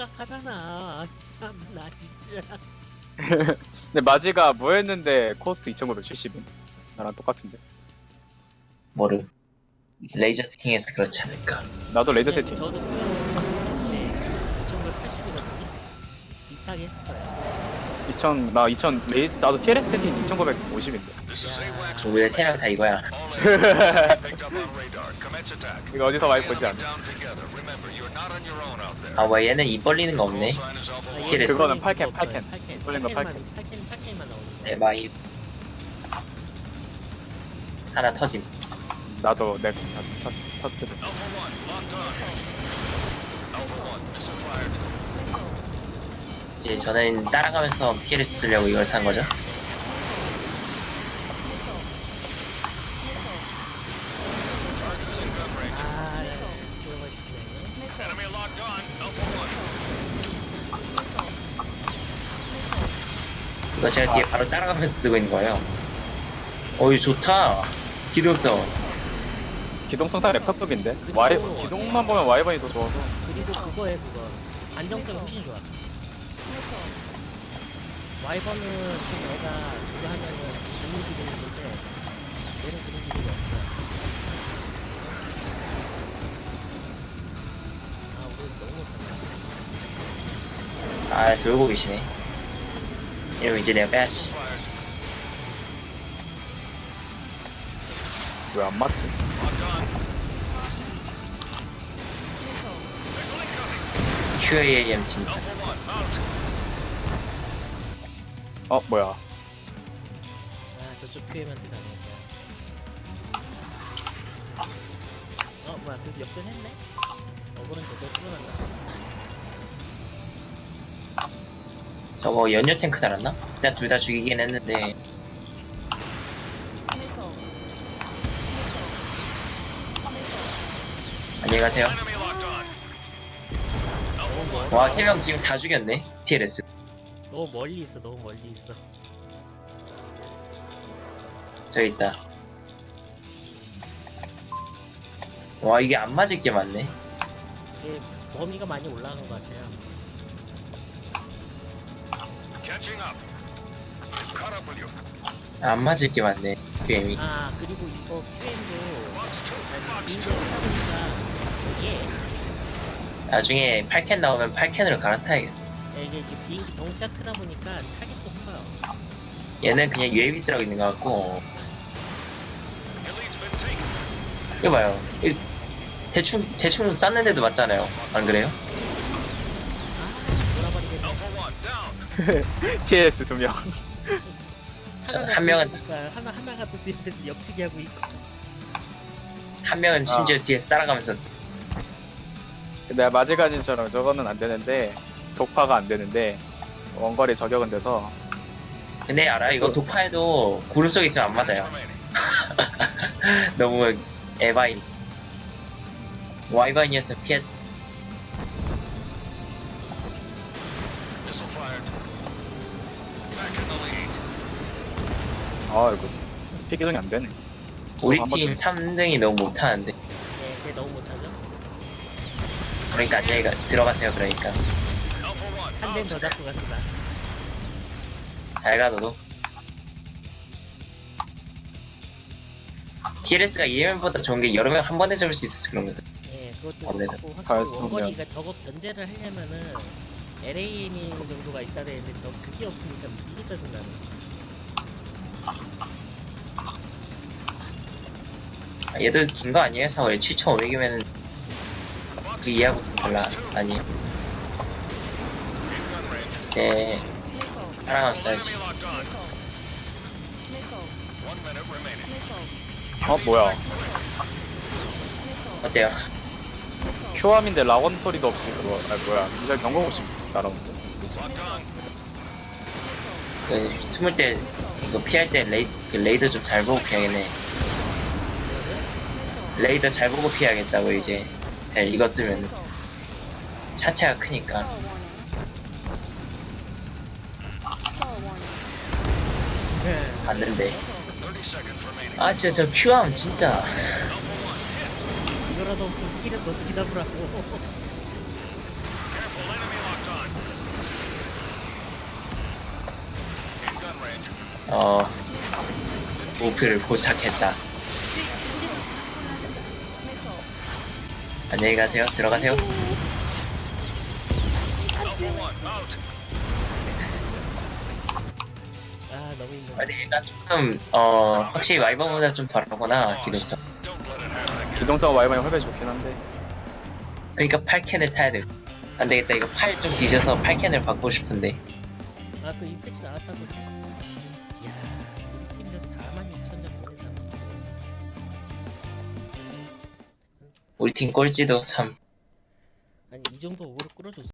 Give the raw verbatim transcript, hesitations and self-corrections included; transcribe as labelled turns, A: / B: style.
A: 생각하잖아. 참 나 진짜.
B: 근데 마지가 뭐였는데 코스트 이천구백칠십은 나랑 똑같은데.
C: 뭐를 레이저 스팅해서 그렇지 않을까.
B: 나도 레이저
A: 그냥
B: 세팅.
A: 저도 표현했는데 이천구백팔십이거든요. 비슷하게 했을 거야.
B: 이천 나 이천 레이 나도 티엘에스 세팅 이천구백오십인데.
C: 우리 세 명 다 이거야.
B: 이거 어디서 많이 보지 않아?
C: 아 뭐 얘는 입 벌리는 거 없네. 티엘에스.
B: 그거는 팔 캔, 팔 캔.
A: 팔캔
B: 돌린 거 팔 캔.
A: 팔캔 팔캔만 나오는 거.
C: 에바이 하나 터짐.
B: 나도 내 터뜨려.
C: 이제 저는 따라가면서 티엘에스 쓰려고 이걸 산 거죠.
A: 아, 들어가시네.
C: 이거 제가 뒤에 바로 따라가면서 쓰고 있는 거예요. 어이 좋다. 기동성.
B: 기동성 다 랩탑급인데. 와이 기동만 보면 와이번이 더 좋아서.
A: 그리고 그거에 그거 안정성 훨씬 좋아. 와이번은 좀 내가 그거 하면은 좋은 기능인데 얘는 그런 기능이 없어. 아 우리 너무 못한다.
C: 아 돌고 계시네. 이러면 이제 내가 빼야지.
B: 왜 안 맞지?
C: 큐에이엠 진짜.
B: 어 뭐야?
A: 아 저쪽 큐에만 대단해서. 어 뭐야 그래도 역전했네? 어그는 저도 풀어난다.
C: 저거 연료 탱크 달았나? 일단 둘 다 죽이긴 했는데. 안녕히 가세요. 와, 세 명 지금 다 죽였네. 티엘에스.
A: 너무 멀리 있어 너무 멀리 있어.
C: 저기 있다. 와, 이게 안 맞을 게 많네.
A: 이게 범위가 많이 올라간 것 같아요.
C: 안 맞을 게 많네. 큐엠이.
A: 아 그리고 이거 큐엠도 비행기 하다 보니까 이게
C: 나중에 팔 캔 나오면 팔 캔으로 갈아타야겠다.
A: 이게 이제 비행기 덩치가 크다 보니까 타겟도 커요.
C: 얘는 그냥 유에이비 쓰라고 있는 것 같고. 이거 봐요. 이 대충, 대충 쐈는데도 맞잖아요. 안 그래요?
A: 아 돌아버리겠네.
B: 티엘에스 두 명.
C: 저,
A: 하나가
C: 한 명은,
A: 있으니까 하나 하나가 또 뒤에서 옆치기 하고 있고.
C: 한 명은 심지어 뒤에서 따라가면서. 쓰-
B: 내가 마지가진처럼 저거는 안 되는데 독파가 안 되는데 원거리 저격은 돼서.
C: 근데 알아? 이거 독파에도 구름 속에 있으면 안 맞아요. 너무 에바인. 와이바인이었으면 피했.
B: 아 이거 피기동이 안 되네.
C: 우리
B: 한번
C: 팀
B: 더.
C: 삼 등이 너무 못하는데.
A: 네, 쟤 너무 못하죠.
C: 그러니까 안녕히 가, 들어가세요. 그러니까
A: 한 대는 더 잡고 갔으나.
C: 잘 가 너도. 티엘에스가 이엠엠보다 좋은 게 여러 명 한 번에 잡을 수 있어서 그런 거든.
A: 예, 그것도
C: 원래는
A: 그렇고
B: 잘
A: 확실히
B: 쓰면.
A: 원거리가 저거 견제를 하려면은 엘에이엠 정도가 있어야 되는데 저 그게 없으니까 이게 짜증나네.
C: 아, 얘도 긴 거 아니에요? 사월에 칠천오백이면은 그 이해하고 좀 달라. 아니. 네. 하나만 써야지.
B: 어 뭐야?
C: 어때요?
B: 큐암인데 라원 소리도 없이 그거. 아 뭐야? 미절 경고 없이 날아오는데.
C: 그 숨을 때 이거 피할 때 레이, 그 레이더 좀 잘 보고 피하겠네. 레이더 잘 보고 피해야겠다고 이제 잘 이거 쓰면 차체가 크니까. 맞는데. 아 진짜 저 큐암 진짜.
A: 이거라도 없으면 키를 어떻게 잡으라고.
C: 어 목표를 포착했다. 안녕히 가세요. 들어가세요.
A: 아 너무 힘들어.
C: 아니 얘가 조금 어 확실히 와이번보다 좀 덜하구나 기동성.
B: 기동성 와이번이 훨씬 좋긴 한데
C: 그러니까 팔 캔을 타야 돼. 안 되겠다. 이거 팔 좀 뒤져서 팔 캔을 받고 싶은데.
A: 아그 임팩트 나왔다고. 이야 우리 팀도 사만 육천 점 보냈다.
C: 우리 팀 꼴찌도 참
A: 아니 이 정도 오로 끌어줬어.